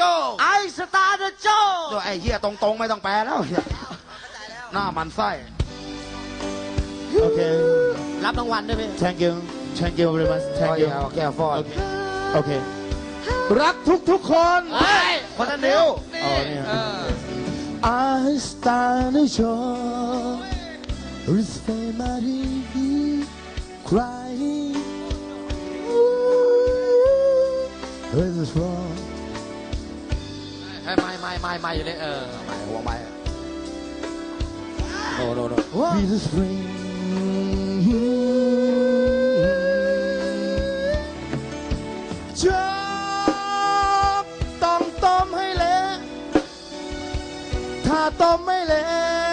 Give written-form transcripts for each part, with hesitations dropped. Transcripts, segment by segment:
ไอสตาร์เดอะโจไอ้เหี้ยตรงๆไม่ต้องแปลแล้วหน้ามันไส้โอเครับรางวัลด้วยพี่ thank you very much thank you แก้วฟอดโอเครักทุกคนคนนั้นเดียว I stand ashore with family crying with a wrong ไม่อยู่เลยไม่หัวไม่โน with a springจอกต้องต้มให้เละถ้าต้มไม่เละ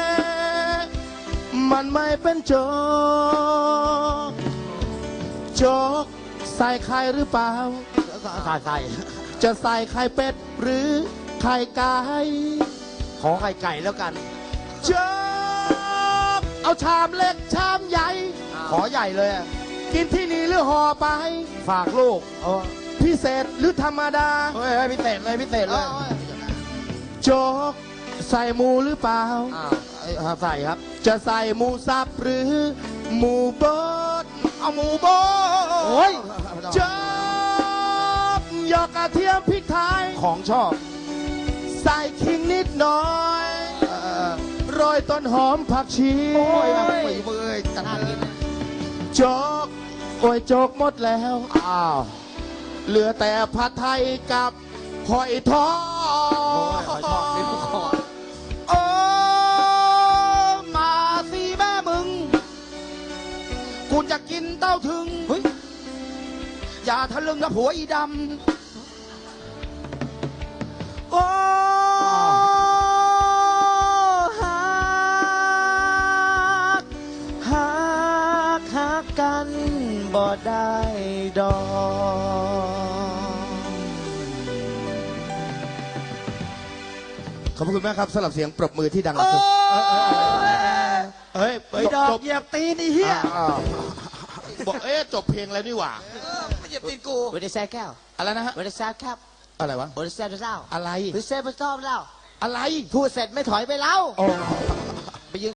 มันไม่เป็นโจ๊กโจ๊กใส่ไข่หรือเปล่าใส่จะใส่ไข่เป็ดหรือไข่ไก่ขอไข่ไก่แล้วกันโจ๊กเอาชามเล็กชามใหญ่ขอใหญ่เลยกินที่นี่หรือห่อไปฝากลูกพิเศษหรือธรรมดาเฮ้ยพิเศษเลยโจ๊กใส่หมูหรือเปล่าใส่ครับจะใส่หมูสับหรือหมูบดเอาหมูบดโอ้ยโจ๊กหยอกกระเทียมพริกไทยของชอบใส่ขิงนิดหน่อยโรยต้นหอมผักชีโอ้ยฝีมือจังเลยโจ๊กโอ้ยโจ๊กหมดแล้วเหลือแต่ผัดไทยกับหอยทอดโอ้มาสิแม่มึงกูจะกินเต้าถึงอย่าทะลึ่งกับผัวอีดำโอ้ฮักกันบ่ได้ดอกขอบคุณมากครับสำหรับเสียงปรบมือที่ดังเฮ้ยดอกเหยียบตีนไอ้เหี้ยบอกจบเพลงแล้วนี่หว่าไม่เหยียบตีนกูเวทีแซ่แก้วอะไรนะฮะเวทีแซ่แก้วอะไรวะเวทีแซ่เจ้าอะไรเวทีแซ่เจ้าอะไรพูดเสร็จไม่ถอยไปแล้ว